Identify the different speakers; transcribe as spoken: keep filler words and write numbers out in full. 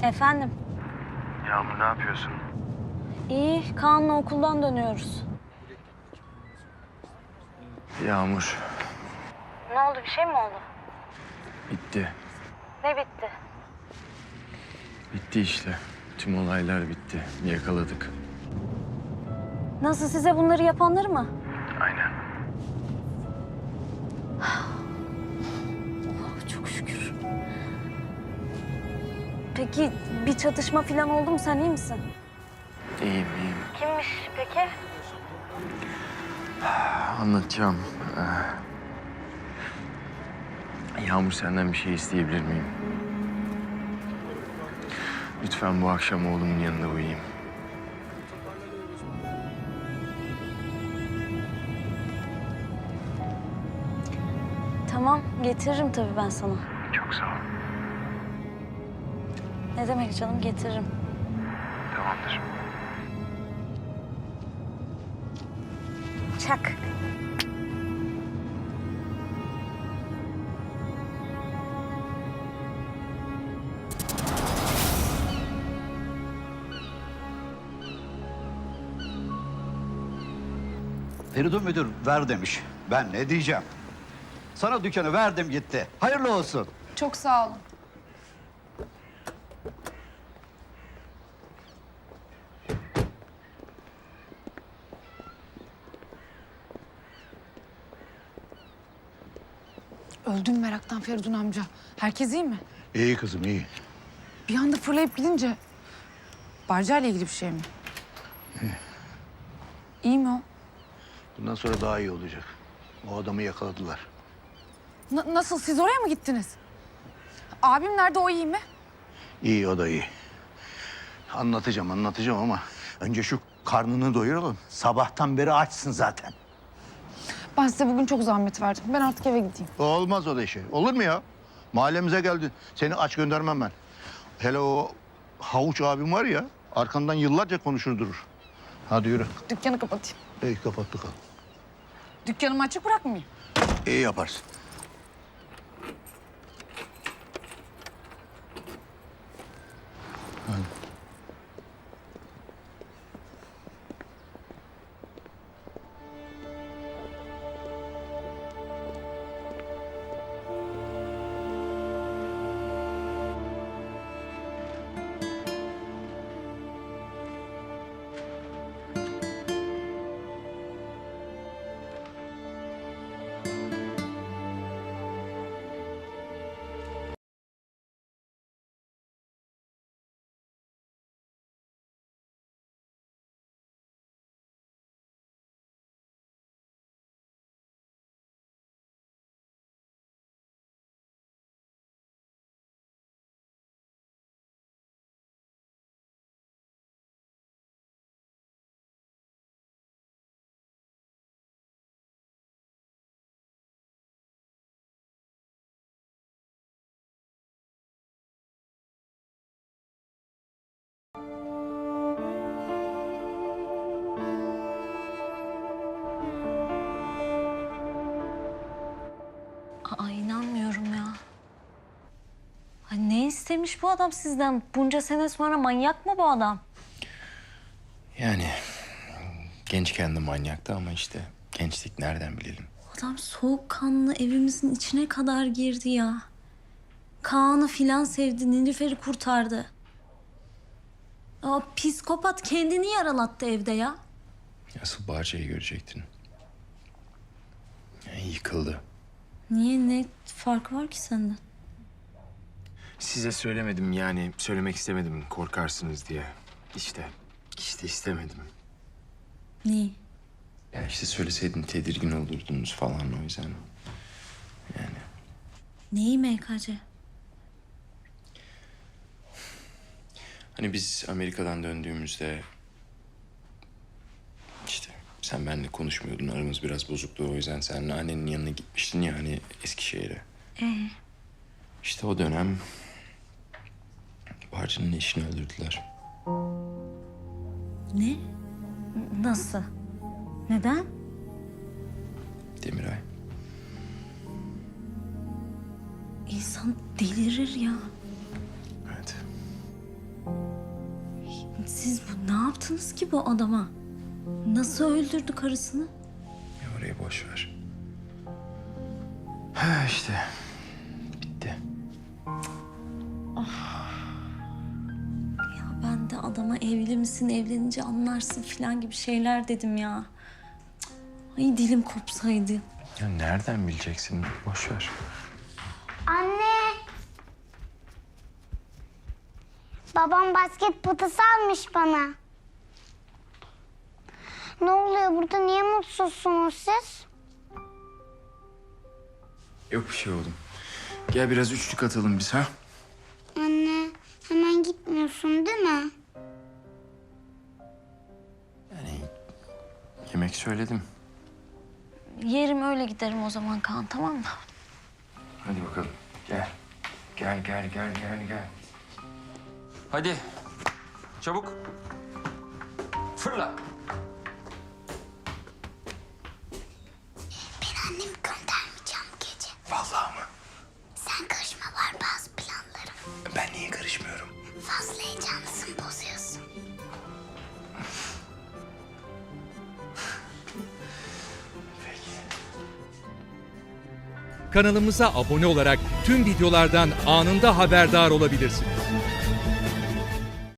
Speaker 1: Efendim?
Speaker 2: Yağmur ne yapıyorsun?
Speaker 1: İyi, Kaan'la okuldan dönüyoruz.
Speaker 2: Yağmur.
Speaker 1: Ne oldu, bir şey mi oldu?
Speaker 2: Bitti.
Speaker 1: Ne bitti?
Speaker 2: Bitti işte. Tüm olaylar bitti. Yakaladık.
Speaker 1: Nasıl, size bunları yapanları mı?
Speaker 2: Aynen.
Speaker 1: Oh, çok şükür. Peki bir çatışma falan oldu mu? Sen iyi misin?
Speaker 2: İyiyim, iyiyim.
Speaker 1: Kimmiş peki?
Speaker 2: Anlatacağım. Ee, Yağmur, senden bir şey isteyebilir miyim? Lütfen bu akşam oğlumun yanında uyuyayım.
Speaker 1: Tamam, getiririm tabii ben sana.
Speaker 2: Çok sağ ol.
Speaker 1: Ne demek canım, getiririm.
Speaker 2: Tamamdır.
Speaker 1: Çak.
Speaker 3: Feridun müdür ver demiş. Ben ne diyeceğim? Sana dükkanı verdim gitti. Hayırlı olsun.
Speaker 4: Çok sağ olun. Öldüm meraktan Feridun amca. Herkes iyi mi?
Speaker 5: İyi kızım iyi.
Speaker 4: Bir anda fırlayıp gidince... Barca ile ilgili bir şey mi? İyi mi o?
Speaker 5: Bundan sonra daha iyi olacak. O adamı yakaladılar.
Speaker 4: Na- nasıl? Siz oraya mı gittiniz? Abim nerede? O iyi mi?
Speaker 5: İyi, o da iyi. Anlatacağım anlatacağım ama önce şu karnını doyuralım. Sabahtan beri açsın zaten.
Speaker 4: Ben size bugün çok zahmet verdim. Ben artık eve gideyim.
Speaker 5: Olmaz o da şey. Olur mu ya? Mahallemize geldin. Seni aç göndermem ben. Hele o havuç abim var ya, arkandan yıllarca konuşur durur. Hadi yürü.
Speaker 4: Dükkanı kapatayım.
Speaker 5: İyi, kapat bakalım.
Speaker 4: Dükkanımı açık bırakmayayım.
Speaker 5: İyi yaparsın. Hadi.
Speaker 1: Aa, inanmıyorum ya. Ay, ne istemiş bu adam sizden? Bunca sene sonra manyak mı bu adam?
Speaker 2: Yani gençken de manyaktı ama işte gençlik nereden bilelim?
Speaker 1: Adam soğukkanlı evimizin içine kadar girdi ya. Kaan'ı filan sevdi, Nilüfer'i kurtardı. Aa, psikopat kendini yaralattı evde ya.
Speaker 2: Asıl Barca'yı görecektin. Yani yıkıldı.
Speaker 1: Niye, ne farkı var ki senden?
Speaker 2: Size söylemedim, yani söylemek istemedim korkarsınız diye. İşte, işte istemedim.
Speaker 1: Neyi?
Speaker 2: Ya işte söyleseydin tedirgin olurdunuz falan, o yüzden. Yani
Speaker 1: Neyi M K C?
Speaker 2: hani biz Amerika'dan döndüğümüzde işte sen benimle konuşmuyordun, aramız biraz bozuktu, o yüzden sen annenin yanına gitmiştin ya hani Eskişehir'e.
Speaker 1: Ee?
Speaker 2: İşte o dönem Barca'nın eşini öldürdüler.
Speaker 1: Ne? Nasıl? Neden?
Speaker 2: Demiray.
Speaker 1: İnsan delirir ya.
Speaker 2: Evet.
Speaker 1: Siz bu, ne yaptınız ki bu adama? Nasıl öldürdü karısını?
Speaker 2: Ya orayı boş ver. Ha işte. Bitti.
Speaker 1: Ya ben de adama evli misin, evlenince anlarsın falan gibi şeyler dedim ya. Cık, ay dilim kopsaydı.
Speaker 2: Ya nereden bileceksin? Boş ver.
Speaker 6: Anne. Babam basket potası almış bana. Ne oluyor burada? Niye mutsuzsunuz siz?
Speaker 2: Yok bir şey oğlum. Gel biraz üçlük atalım biz ha.
Speaker 6: Anne, hemen gitmiyorsun değil mi?
Speaker 2: Yani yemek söyledim.
Speaker 1: Yerim öyle giderim o zaman Kaan, tamam mı?
Speaker 2: Hadi bakalım. Gel. Gel gel gel gel gel. Hadi. Çabuk. Fırla.
Speaker 6: Ben annemi göndermeyeceğim bu gece.
Speaker 2: Vallahi mı?
Speaker 6: Sen karışma, var bazı planlarım.
Speaker 2: Ben niye karışmıyorum?
Speaker 6: Fazla heyecanlısın, bozuyorsun.
Speaker 7: Kanalımıza abone olarak tüm videolardan anında haberdar olabilirsiniz.